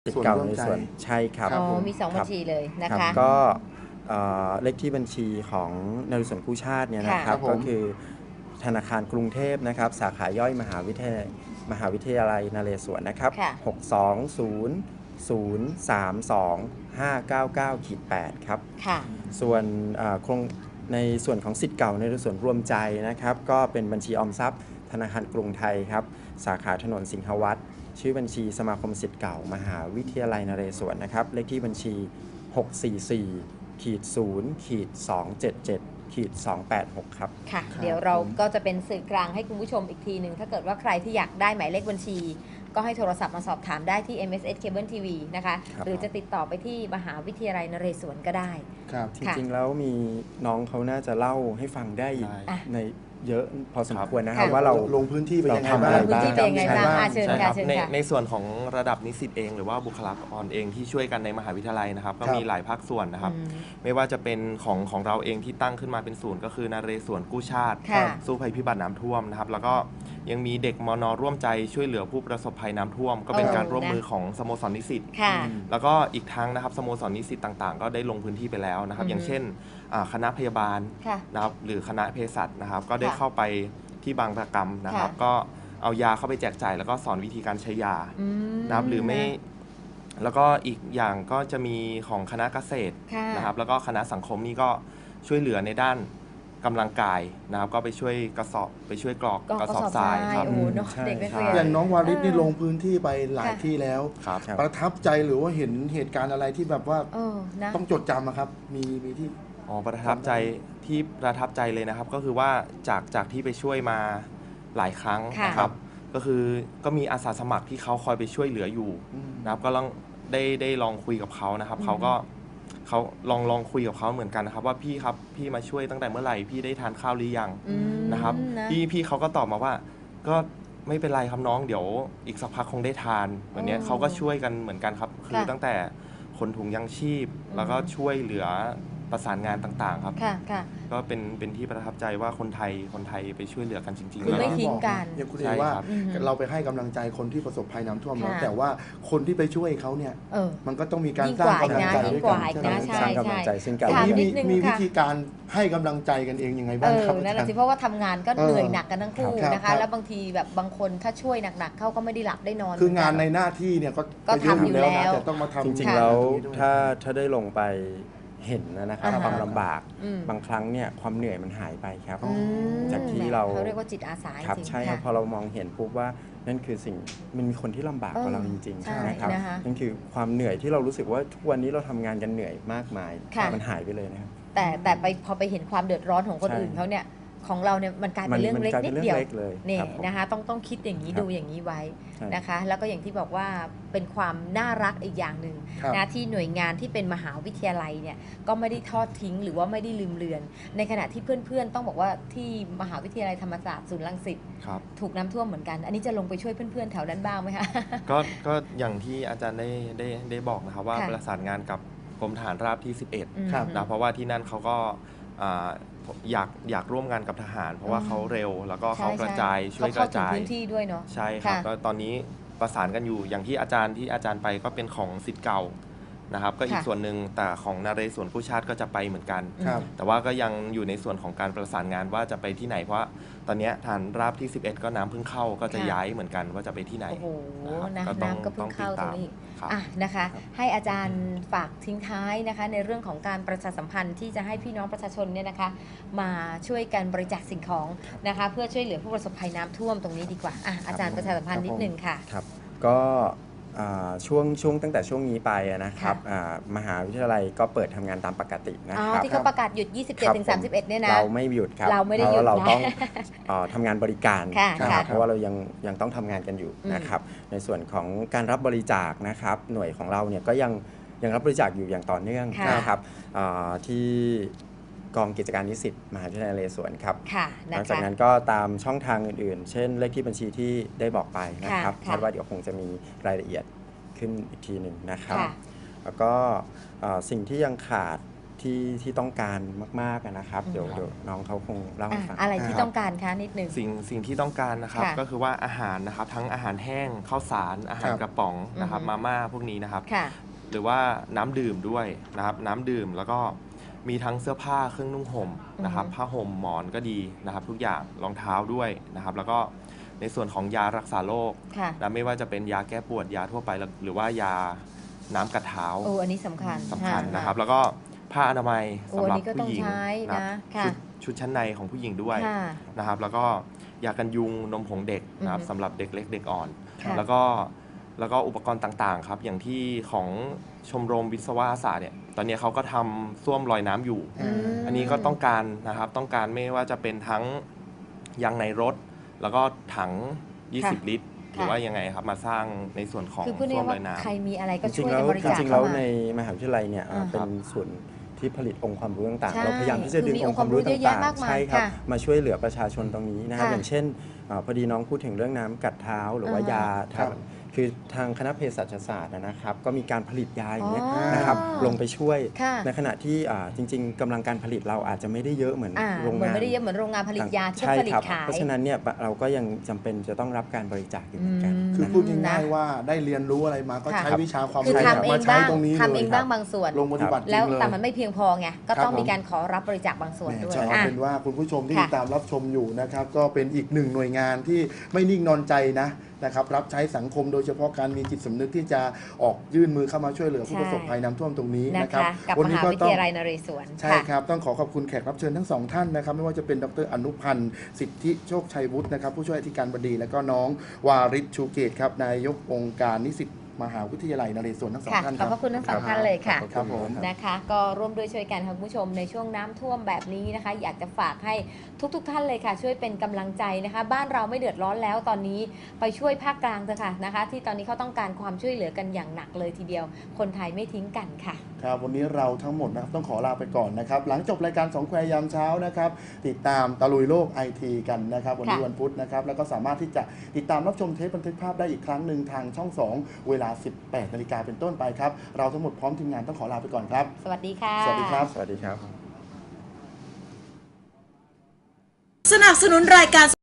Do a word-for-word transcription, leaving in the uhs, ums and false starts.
สิทธิ์เก่าในส่วนใช่ครับอ๋อมีสองบัญชีเลยนะคะก็เลขที่บัญชีของนเรศวรกู้ชาติเนี่ยนะครับก็คือธนาคารกรุงเทพนะครับสาขาย่อยมหาวิทยาลัยมหาวิทยาลัยนเรศวรนะครับหก สอง ศูนย์ ศูนย์ สาม สอง ห้า เก้า เก้า แปดครับส่วนโครงในส่วนของสิทธิ์เก่าในส่วนรวมใจนะครับก็เป็นบัญชีออมทรัพย์ธนาคารกรุงไทยครับสาขาถนนสิงหวัฒน์ชื่อบัญชีสมาคมสิทธิ์เก่ามหาวิทยาลัยนเรศวรนะครับเลขที่บัญชีหก สี่ สี่ ขีด ศูนย์ ขีด สอง เจ็ด เจ็ด ขีด สอง แปด หกครับค่ะเดี๋ยวเราก็จะเป็นสื่อกลางให้คุณผู้ชมอีกทีหนึ่งถ้าเกิดว่าใครที่อยากได้หมายเลขบัญชีก็ให้โทรศัพท์มาสอบถามได้ที่ เอ็ม เอส เอส Cable ที วี นะคะหรือจะติดต่อไปที่มหาวิทยาลัยนเรศวรก็ได้ครับจริงๆแล้วมีน้องเขาน่าจะเล่าให้ฟังได้ในเยอะพอสมควรนะครับว่าเราลงพื้นที่ไปยังไงบ้างลงพื้นที่ไปยังไงบ้างเชิญค่ะเชิญค่ะในส่วนของระดับนิสิตเองหรือว่าบุคลากรเองที่ช่วยกันในมหาวิทยาลัยนะครับก็มีหลายภาคส่วนนะครับไม่ว่าจะเป็นของของเราเองที่ตั้งขึ้นมาเป็นศูนย์ก็คือนเรศวรกู้ชาติสู้ภัยพิบัติน้ำท่วมนะครับแล้วก็ยังมีเด็กมน.ร่วมใจช่วยเหลือผู้ประสบภัยน้ำท่วมก็เป็นการร่วมมือของสโมสรนิสิตแล้วก็อีกทั้งนะครับสโมสรนิสิตต่างๆก็ได้ลงพื้นที่ไปแล้วนะครับอย่างเช่นคณะพยาบาลนะครับหรือคณะเภสัชนะครับก็ได้เข้าไปที่บางระกำนะครับก็เอายาเข้าไปแจกจ่ายแล้วก็สอนวิธีการใช้ยานะครับหรือไม่แล้วก็อีกอย่างก็จะมีของคณะเกษตรนะครับแล้วก็คณะสังคมนี่ก็ช่วยเหลือในด้านกำลังกายนะครับก็ไปช่วยกระสอบไปช่วยกรอกกระสอบทรายครับอย่างน้องวาริศนี่ลงพื้นที่ไปหลายที่แล้วประทับใจหรือว่าเห็นเหตุการณ์อะไรที่แบบว่าต้องจดจำนะครับมีมีที่อ๋อประทับใจที่ประทับใจเลยนะครับก็คือว่าจากจากที่ไปช่วยมาหลายครั้งนะครับก็คือก็มีอาสาสมัครที่เขาคอยไปช่วยเหลืออยู่นะครับก็ลองได้ได้ลองคุยกับเขานะครับเขาก็เขาลองลองคุยกับเขาเหมือนกันนะครับว่าพี่ครับพี่มาช่วยตั้งแต่เมื่อไหร่พี่ได้ทานข้าวหรือยังนะครับพี่พี่เขาก็ตอบมาว่าก็ไม่เป็นไรครับน้องเดี๋ยวอีกสักพักคงได้ทานแบบนี้เขาก็ช่วยกันเหมือนกันครับคือตั้งแต่ขนถุงยังชีพแล้วก็ช่วยเหลือประสานงานต่างๆครับก็เป็นเป็นที่ประทับใจว่าคนไทยคนไทยไปช่วยเหลือกันจริงๆคือไม่ทิ้งกันอย่างคุณเอ๋ว่าเราไปให้กำลังใจคนที่ประสบภัยน้ำท่วมแล้วแต่ว่าคนที่ไปช่วยเขาเนี่ยมันก็ต้องมีการสร้างกำลังใจด้วยกันสร้างกำลังใจซึ่งกันมีมีวิธีการให้กำลังใจกันเองยังไงบ้างครับนั่นแหละสิเพราะว่าทำงานก็เหนื่อยหนักกันทั้งคู่นะคะแล้วบางทีแบบบางคนถ้าช่วยหนักๆเขาก็ไม่ได้หลับได้นอนคืองานในหน้าที่เนี่ยก็ทำอยู่แล้วแต่ต้องมาทำจริงๆแล้วถ้าถ้าได้ลงไปเห็นนะครับความลำบากบางครั้งเนี่ยความเหนื่อยมันหายไปครับจากที่เราเขาเรียกว่าจิตอาสาครับใช่ครับพอเรามองเห็นปุ๊บว่านั่นคือสิ่งมันมีคนที่ลำบากกว่าเราจริงๆนะครับนั่นคือความเหนื่อยที่เรารู้สึกว่าทุกวันนี้เราทำงานกันเหนื่อยมากมายมันหายไปเลยนะครับแต่แต่ไปพอไปเห็นความเดือดร้อนของคนอื่นเขาเนี่ยของเราเนี่ยมันกลายเป็นเรื่องเล็กนิดเดียวนี่นะคะต้องต้องคิดอย่างนี้ดูอย่างนี้ไว้นะคะแล้วก็อย่างที่บอกว่าเป็นความน่ารักอีกอย่างหนึ่งนะที่หน่วยงานที่เป็นมหาวิทยาลัยเนี่ยก็ไม่ได้ทอดทิ้งหรือว่าไม่ได้ลืมเลือนในขณะที่เพื่อนๆต้องบอกว่าที่มหาวิทยาลัยธรรมศาสตร์ศูนย์รังสิตถูกน้ำท่วมเหมือนกันอันนี้จะลงไปช่วยเพื่อนๆแถวนั้นบ้างไหมคะก็ก็อย่างที่อาจารย์ได้ได้ได้บอกนะครับว่าประสานงานกับกรมทหารราบที่สิบเอ็ดนะเพราะว่าที่นั่นเขาก็อยากอยากร่วมงานกับทหารเพราะว่าเขาเร็วแล้วก็เขากระจายช่วยกระจายพื้นที่ด้วยเนาะใช่ครับก็ตอนนี้ประสานกันอยู่อย่างที่อาจารย์ที่อาจารย์ไปก็เป็นของศิษย์เก่านะครับก็อีกส่วนหนึ่งแต่ของนเรศวรกู้ชาติก็จะไปเหมือนกันแต่ว่าก็ยังอยู่ในส่วนของการประสานงานว่าจะไปที่ไหนเพราะตอนนี้ฐานราบที่สิบเอ็ดก็น้ำเพิ่งเข้าก็จะย้ายเหมือนกันว่าจะไปที่ไหนโอ้โหน้ำก็เพิ่งเข้าตรงนี้อ่ะนะคะให้อาจารย์ฝากทิ้งท้ายนะคะในเรื่องของการประชาสัมพันธ์ที่จะให้พี่น้องประชาชนเนี่ยนะคะมาช่วยกันบริจาคสิ่งของนะคะเพื่อช่วยเหลือผู้ประสบภัยน้ำท่วมตรงนี้ดีกว่าอ่ะอาจารย์ประชาสัมพันธ์นิดนึงค่ะครับก็ช่วงช่วงตั้งแต่ช่วงนี้ไปนะครับมหาวิทยาลัยก็เปิดทำงานตามปกตินะครับที่เขาประกาศหยุด ยี่สิบเจ็ดถึงสามสิบเอ็ด เนี่ยนะเราไม่หยุดครับเราไม่ได้หยุดเราต้องทำงานบริการนะครับเพราะว่าเรายังยังต้องทำงานกันอยู่นะครับในส่วนของการรับบริจาคนะครับหน่วยของเราเนี่ยก็ยังยังรับบริจาคอยู่อย่างต่อเนื่องนะครับที่กองกิจการนิสิตมหาวิทยาลัยนเรศวรครับหลังจากนั้นก็ตามช่องทางอื่นๆเช่นเลขที่บัญชีที่ได้บอกไปนะครับคาดว่าเดี๋ยวคงจะมีรายละเอียดขึ้นอีกทีหนึ่งนะครับแล้วก็สิ่งที่ยังขาดที่ที่ต้องการมากๆนะครับเดี๋ยวเดี๋ยวน้องเขาคงเล่าให้ฟังอะไรที่ต้องการคะนิดนึงสิ่งสิ่งที่ต้องการนะครับก็คือว่าอาหารนะครับทั้งอาหารแห้งข้าวสารอาหารกระป๋องนะครับมาม่าพวกนี้นะครับหรือว่าน้ำดื่มด้วยนะครับน้ำดื่มแล้วก็มีทั้งเสื้อผ้าเครื่องนุ่งห่มนะครับผ้าห่มหมอนก็ดีนะครับทุกอย่างรองเท้าด้วยนะครับแล้วก็ในส่วนของยารักษาโรคนะไม่ว่าจะเป็นยาแก้ปวดยาทั่วไปหรือว่ายาน้ำกัดเท้าโอ้อันนี้สำคัญสำคัญนะครับแล้วก็ผ้าอนามัยสำหรับผู้หญิงนะชุดชุดชั้นในของผู้หญิงด้วยนะครับแล้วก็ยากันยุงนมผงเด็กนะครับสำหรับเด็กเล็กเด็กอ่อนแล้วก็แล้วก็อุปกรณ์ต่างๆครับอย่างที่ของชมรมวิศวะศาสตร์เนี่ยตอนนี้เขาก็ทำส้วมลอยน้ำอยู่อันนี้ก็ต้องการนะครับต้องการไม่ว่าจะเป็นทั้งยางในรถแล้วก็ถังยี่สิบลิตรหรือว่ายังไงครับมาสร้างในส่วนของส้วมลอยน้ำใครมีอะไรก็ช่วยกันบริจาคจริงๆแล้วในมหาวิทยาลัยเนี่ยเป็นส่วนที่ผลิตองค์ความรู้ต่างๆเราพยายามที่จะดึงองค์ความรู้ต่างๆใช่ครับมาช่วยเหลือประชาชนตรงนี้นะครับอย่างเช่นพอดีน้องพูดถึงเรื่องน้ำกัดเท้าหรือว่ายาคือทางคณะเภสัชศาสตร์นะครับก็มีการผลิตยาอย่างนี้นะครับลงไปช่วยในขณะที่จริงๆกำลังการผลิตเราอาจจะไม่ได้เยอะเหมือนโรงงานไม่ได้เยอะเหมือนโรงงานผลิตยาที่ผลิตขายเพราะฉะนั้นเนี่ยเราก็ยังจำเป็นจะต้องรับการบริจาคอยู่เหมือนกันคือพูดง่ายๆว่าได้เรียนรู้อะไรมาก็ใช้วิชาความรู้มาใช้ตรงนี้ทำเองบ้างบางส่วนลงปฏิบัติแล้วแต่มันไม่เพียงพอไงก็ต้องมีการขอรับบริจาคบางส่วนด้วยเอาเป็นว่าคุณผู้ชมที่ติดตามรับชมอยู่นะครับก็เป็นอีกหนึ่งหน่วยงานที่ไม่นิ่งนอนใจนะนะครับรับใช้สังคมโดยเฉพาะการมีจิตสำนึกที่จะออกยื่นมือเข้ามาช่วยเหลือผู้ประสบภัยน้ำท่วมตรงนี้นะครับวันนี้ก็ต้องวิทยาลัยนเรศวรใช่ครับต้องขอขอบคุณแขกรับเชิญทั้งสองท่านนะครับไม่ว่าจะเป็นดรอนุพันธ์สิทธิโชคชัยวุฒินะครับผู้ช่วยอธิการบดีและก็น้องวาริศชูเกตครับนายกองค์การนิสิตมหาวิทยาลัยนเรศวรทั้งสองท่านขอบพระคุณทั้งสองท่านเลยค่ะครับผมนะคะก็ร่วมด้วยช่วยกันคุณผู้ชมในช่วงน้ำท่วมแบบนี้นะคะอยากจะฝากให้ทุกๆท่านเลยค่ะช่วยเป็นกำลังใจนะคะบ้านเราไม่เดือดร้อนแล้วตอนนี้ไปช่วยภาคกลางเถอะค่ะนะคะที่ตอนนี้เขาต้องการความช่วยเหลือกันอย่างหนักเลยทีเดียวคนไทยไม่ทิ้งกันค่ะครับวันนี้เราทั้งหมดนะครับต้องขอลาไปก่อนนะครับหลังจบรายการสองแควยามเช้านะครับติดตามตะลุยโลกไอทีกันนะครับวันนี้วันพุธนะครับแล้วก็สามารถที่จะติดตามรับชมเทปบันทึกภาพได้อีกครั้งหนึ่งทางช่องสองเวลาสิบแปดนาฬิกาเป็นต้นไปครับเราทั้งหมดพร้อมทีมงานต้องขอลาไปก่อนครับสวัสดีค่ะสวัสดีครับสวัสดีครับสนับสนุนรายการ